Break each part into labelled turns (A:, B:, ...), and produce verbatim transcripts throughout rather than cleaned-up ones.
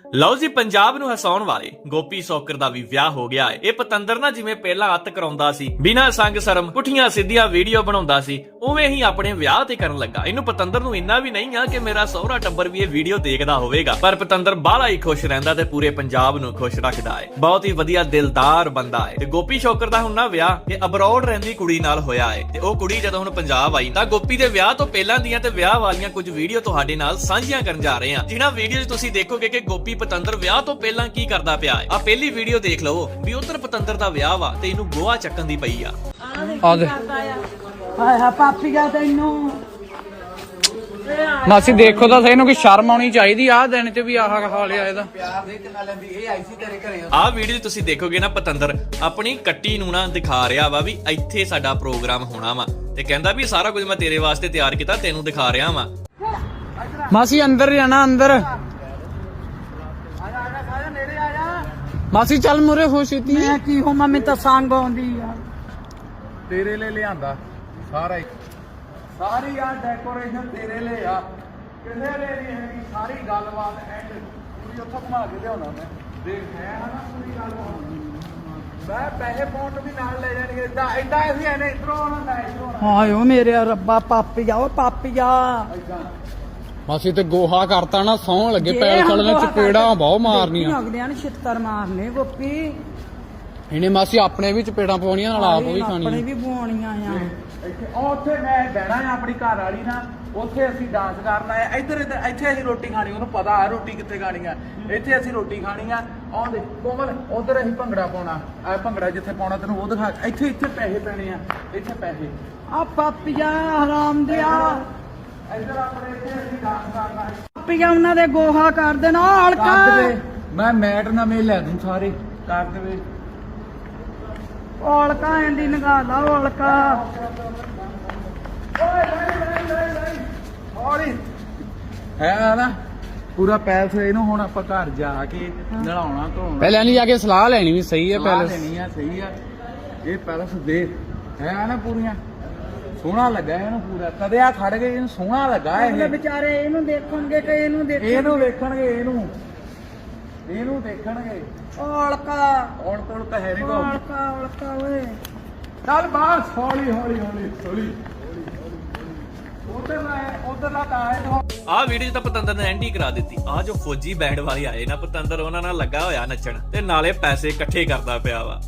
A: ਲਓ ਜੀ, ਪੰਜਾਬ ਨੂੰ ਹਸਾਉਣ ਵਾਲੇ ਗੋਪੀ ਸੌਕਰ ਦਾ ਵੀ ਵਿਆਹ ਹੋ ਗਿਆ ਹੈ। ਇਹ ਪਤੰਦਰ ਨਾ ਜਿਵੇਂ ਪਹਿਲਾਂ ਅੱਤ ਕਰਾਉਂਦਾ ਸੀ, ਬਿਨਾਂ ਸੰਗ ਸ਼ਰਮ ਪੁੱਠੀਆਂ ਸਿੱਧੀਆਂ ਵੀਡੀਓ ਬਣਾਉਂਦਾ ਸੀ, ਉਵੇਂ ਹੀ ਆਪਣੇ ਵਿਆਹ ਤੇ ਕਰਨ ਲੱਗਾ। ਇਹਨੂੰ ਪਤੰਦਰ ਨੂੰ ਇੰਨਾ ਵੀ ਨਹੀਂ ਆ ਕਿ ਮੇਰਾ ਸਹੁਰਾ ਟੱਬਰ ਵੀ ਇਹ ਵੀਡੀਓ ਦੇਖਦਾ ਹੋਵੇਗਾ, ਪਰ ਪਤੰਦਰ ਬਾਹਲਾ ਹੀ ਖੁਸ਼ ਰਹਿੰਦਾ ਤੇ ਪੂਰੇ ਪੰਜਾਬ ਨੂੰ ਖੁਸ਼ ਰੱਖਦਾ ਹੈ। ਬਹੁਤ ਹੀ ਵਧੀਆ ਦਿਲਦਾਰ ਬੰਦਾ ਹੈ। ਤੇ ਗੋਪੀ ਸੌਕਰ ਦਾ ਹੁਣ ਨਾ ਵਿਆਹ ਇਹ ਅਬਰੋਡ ਰਹਿੰਦੀ ਕੁੜੀ ਨਾਲ ਹੋਇਆ ਹੈ ਤੇ ਉਹ ਕੁੜੀ ਜਦੋਂ ਹੁਣ ਪੰਜਾਬ ਆਈ ਤਾਂ ਗੋਪੀ ਦੇ ਵਿਆਹ ਤੋਂ ਪਹਿਲਾਂ ਦੀਆਂ ਤੇ ਵਿਆਹ ਵਾਲੀਆਂ ਕੁਝ ਵੀਡੀਓ ਤੁਹਾਡੇ ਨਾਲ ਸਾਂਝੀਆਂ ਕਰਨ ਜਾ ਰਹੇ ਹਾਂ, ਜਿਨ੍ਹਾਂ ਵੀਡੀਓ 'ਚ ਤੁਸੀਂ ਦੇਖੋਗੇ ਕਿ ਗੋਪੀ ਪਤੰਦਰ ਵਿਆਹ ਤੋਂ ਪਹਿਲਾਂ ਕੀ ਕਰਦਾ ਪਿਆ ਹੈ। ਆ ਪਹਿਲੀ ਵੀਡੀਓ ਦੇਖ ਲਓ ਵੀ ਉਧਰ ਪਤੰਦਰ ਦਾ ਵਿਆਹ ਵਾ ਤੇ ਇਹਨੂੰ ਗੋਹਾ ਚੱਕਣ ਦੀ ਪਈ ਆ।
B: ਆ ਦੇ
C: ਹਾਏ ਹਾ ਪਾਪੀਆ ਤੈਨੂੰ
B: ਮਾਸੀ ਦੇਖੋ ਤਾਂ ਸਹੀ ਨੂੰ, ਕਿ ਸ਼ਰਮ ਆਉਣੀ ਚਾਹੀਦੀ ਆ ਦਿਨ ਚ ਵੀ ਆਹ ਹਾਲਿਆ ਇਹਦਾ।
A: ਆਹ ਵੀਡੀਓ ਤੁਸੀਂ ਦੇਖੋਗੇ ਨਾ, ਪਤੰਦਰ ਆਪਣੀ ਕੱਟੀ ਨੂੰ ਨਾ ਦਿਖਾ ਰਿਹਾ ਵਾ ਵੀ ਇੱਥੇ ਸਾਡਾ ਪ੍ਰੋਗਰਾਮ ਹੋਣਾ ਵਾ ਤੇ ਕਹਿੰਦਾ ਵੀ ਸਾਰਾ ਕੁਝ ਮੈਂ ਤੇਰੇ ਵਾਸਤੇ ਤਿਆਰ ਕੀਤਾ, ਤੈਨੂੰ ਦਿਖਾ ਰਿਹਾ ਵਾ।
B: ਮਾਸੀ ਅੰਦਰ ਜਾਣਾ, ਅੰਦਰ ਮਾਸੀ ਚੱਲ ਮੁਰੇ ਹੋ ਛੇਤੀ।
C: ਮੈਂ ਕੀ ਹੋ ਮੰਮੀ ਤਾਂ ਸੰਗ ਆਉਂਦੀ ਆ
D: ਤੇਰੇ ਲਈ ਲਿਆਂਦਾ ਸਾਰਾ ਹੀ, ਸਾਰੀ ਆ ਡੈਕੋਰੇਸ਼ਨ ਤੇਰੇ ਲਈ ਆ, ਕਿਸੇ ਲਈ ਨਹੀਂ ਹੈਗੀ। ਸਾਰੀ ਗੱਲਬਾਤ ਐਂਡ ਪੂਰੀ ਉੱਥੋਂ ਘੁਮਾ ਕੇ ਲਿਆਉਣਾ ਮੈਂ। ਦੇਖ ਹੈ ਨਾ ਪੂਰੀ ਗੱਲਬਾਤ, ਮੈਂ ਪੈਸੇ ਪਾਉਣ ਵੀ ਨਾਲ ਲੈ ਜਾਣਗੇ। ਇਦਾਂ ਇਦਾਂ ਅਸੀਂ ਐਨੇ ਇਧਰੋਂ ਆਉਣਾ ਨਾ ਇਧਰੋਂ ਆਉਣਾ।
C: ਹਾਏ ਓ ਮੇਰੇ ਰੱਬਾ ਪਾਪੀਆ ਓ ਪਾਪੀਆ
D: ਇਦਾਂ
B: ਮਾਸੀ ਤੇ ਗੋਹਾ ਕਰਤਾ ਨਾ, ਸੌਣ ਲੱਗੇ ਪੈਰ ਖੜ ਨੇ, ਚਪੇੜਾਂ ਬਹੁਤ ਮਾਰਨੀਆਂ।
C: ਲੱਗਦਿਆਂ ਨੇ ਛਿੱਤਰ ਮਾਰਨੇ ਗੋਪੀ।
B: ਇਹਨੇ ਮਾਸੀ ਆਪਣੇ ਵੀ ਚਪੇੜਾਂ ਪਾਉਣੀਆਂ, ਨਾਲ ਆਪ ਵੀ
C: ਆਪਣੇ
B: ਖਾਣੀਆਂ।
C: ਵੀ ਬੁਆਉਣੀਆਂ ਆ।
D: ਇੱਥੇ ਉਹ ਉੱਥੇ ਮੈਂ ਬਹਿਣਾ ਆ ਆਪਣੀ ਘਰ ਵਾਲੀ ਨਾਲ, ਉੱਥੇ ਅਸੀਂ ਡਾਂਸ ਕਰਨਾ ਆ। ਇੱਧਰ ਇੱਧਰ ਇੱਥੇ ਅਸੀਂ ਰੋਟੀ ਖਾਣੀ, ਉਹਨੂੰ ਪਤਾ ਆ ਰੋਟੀ ਕਿੱਥੇ ਖਾਣੀ ਆ। ਇੱਥੇ ਅਸੀਂ ਰੋਟੀ ਖਾਣੀ ਆ। ਆਉਂਦੇ ਕੋਮਲ ਉਧਰ ਅਸੀਂ ਭੰਗੜਾ ਪਾਉਣਾ ਆ, ਭੰਗੜਾ ਜਿੱਥੇ ਪਾਉਣਾ ਤੈਨੂੰ ਉਹ ਦਿਖਾ। ਇੱਥੇ ਇੱਥੇ ਪੈਸੇ ਪੈਣੇ ਆ, ਇੱਥੇ ਪੈਸੇ।
C: ਆ ਪਾਪੀਆ ਹਰਾਮ ਦਿਆ
D: ਇੱਧਰ ਆਪਣੇ ਇੱਥੇ ਅਸੀਂ ਡਾਂਸ ਕਰਨਾ।
C: ਪਾਪੀਆ ਉਹਨਾਂ ਦੇ ਗੋਹਾ ਕਰ ਦੇਣਾ ਹਲਕਾ।
D: ਕਰ ਦੇਵੇ, ਮੈਂ ਮੈਟ ਨਵੇਂ ਲੈ ਦੂੰ ਸਾਰੇ। ਕਰ ਦੇਵੇ
C: ਔਲਕਾ ਐਂਦੀ ਨਗਾ ਲਾ ਔਲਕਾ।
D: ਹੈ ਨਾ ਪੂਰਾ ਪੈਸੇ ਇਹਨੂੰ। ਹੁਣ ਆਪਾਂ ਘਰ ਜਾ ਕੇ ਨਲਾਉਣਾ ਧੋਣਾ,
B: ਪਹਿਲਾਂ ਨਹੀਂ ਜਾ ਕੇ ਸਲਾਹ ਲੈਣੀ ਵੀ ਸਹੀ ਹੈ।
D: ਸਲਾਹ
B: ਪਹਿਲਾਂ
D: ਲੈਣੀ ਆ, ਸਹੀ ਆ। ਇਹ ਪੈਲਸ ਦੇਖ ਹੈ ਨਾ ਪੂਰੀਆਂ ਸੋਹਣਾ ਲੱਗਾ ਇਹਨੂੰ ਪੂਰਾ। ਕਦੇ ਆ ਖੜ ਗਏ, ਇਹਨੂੰ ਸੋਹਣਾ ਲੱਗਾ
C: ਅਗਲੇ
D: ਇਹ।
C: ਵਿਚਾਰੇ ਇਹਨੂੰ ਦੇਖਣਗੇ ਕਿ ਇਹਨੂੰ ਦੇਖਣਗੇ।
D: ਇਹਨੂੰ ਵੇਖਣਗੇ, ਇਹਨੂੰ ਇਹਨੂੰ ਦੇਖਣਗੇ।
C: ਔਲਕਾ
D: ਔਲ ਕੋਲ ਤਾਂ ਹੈ ਨਹੀਂ ਕੋ।
C: ਔਲਕਾ ਔਲਕਾ ਓਏ।
D: ਚੱਲ ਬਾਹਰ ਹੌਲੀ ਹੌਲੀ ਹੌਲੀ ਹੌਲੀ। ਉਧਰ ਨਾ ਉਧਰ ਨਾ ਤਾਂ ਹੈ।
A: ਆਹ ਵੀਡੀਓ ਤਾਂ ਪਤੰਦਰ ਨੇ ਐਂਟੀ ਕਰਾ ਦਿੱਤੀ। ਆਹ ਜੋ ਫੌਜੀ ਬੈਂਡ ਵਾਲੇ ਆਏ ਨਾ, ਪਤੰਦਰ ਉਹਨਾਂ ਨਾਲ ਲੱਗਾ ਹੋਇਆ ਨੱਚਣ ਤੇ ਨਾਲੇ ਪੈਸੇ ਇਕੱਠੇ ਕਰਦਾ ਪਿਆ ਵਾ।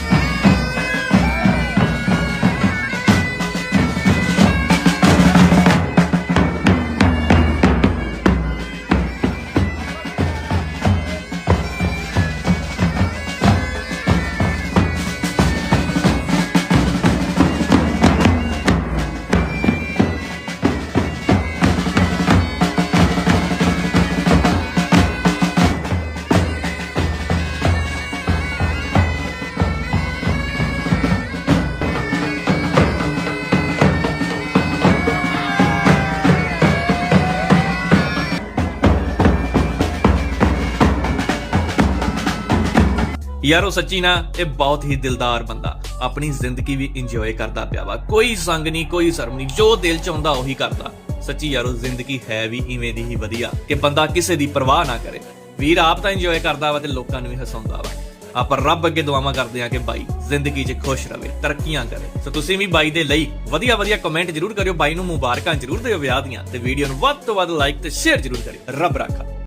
A: ਯਾਰੋ ਸੱਚੀ ਨਾ ਇਹ ਬਹੁਤ ਹੀ ਦਿਲਦਾਰ ਬੰਦਾ ਆਪਣੀ ਜ਼ਿੰਦਗੀ ਵੀ ਇੰਜੋਏ ਕਰਦਾ ਪਿਆ ਵਾ। ਕੋਈ ਸੰਗ ਨਹੀਂ, ਕੋਈ ਸ਼ਰਮ ਨਹੀਂ, ਜੋ ਦਿਲ ਚ ਆਉਂਦਾ ਉਹੀ ਕਰਦਾ। ਸੱਚੀ ਯਾਰੋ ਜ਼ਿੰਦਗੀ ਹੈ ਵੀ ਇਵੇਂ ਦੀ ਹੀ ਵਧੀਆ ਕਿ ਬੰਦਾ ਕਿਸੇ ਦੀ ਪਰਵਾਹ ਨਾ ਕਰੇ। ਵੀਰ ਆਪ ਤਾਂ ਇੰਜੋਏ ਕਰਦਾ ਵਾ ਤੇ ਲੋਕਾਂ ਨੂੰ ਵੀ ਹਸਾਉਂਦਾ ਵਾ। ਆਪਾਂ ਰੱਬ ਅੱਗੇ ਦੁਆਵਾਂ ਕਰਦੇ ਆ ਕਿ ਬਾਈ ਜ਼ਿੰਦਗੀ 'ਚ ਖੁਸ਼ ਰਵੇ, ਤਰੱਕੀਆਂ ਕਰੇ। ਸੋ ਤੁਸੀਂ ਵੀ ਬਾਈ ਦੇ ਲਈ ਵਧੀਆ ਵਧੀਆ ਕਮੈਂਟ ਜ਼ਰੂਰ ਕਰਿਓ। ਬਾਈ ਨੂੰ ਮੁਬਾਰਕਾਂ ਜ਼ਰੂਰ ਦਿਓ ਵਿਆਹ ਦੀਆਂ, ਤੇ ਵੀਡੀਓ ਨੂੰ ਵੱਧ ਤੋਂ ਵੱਧ ਲਾਈਕ ਤੇ ਸ਼ੇਅਰ ਜ਼ਰੂਰ ਕਰਿਓ। ਰੱਬ ਰਾਖਾ।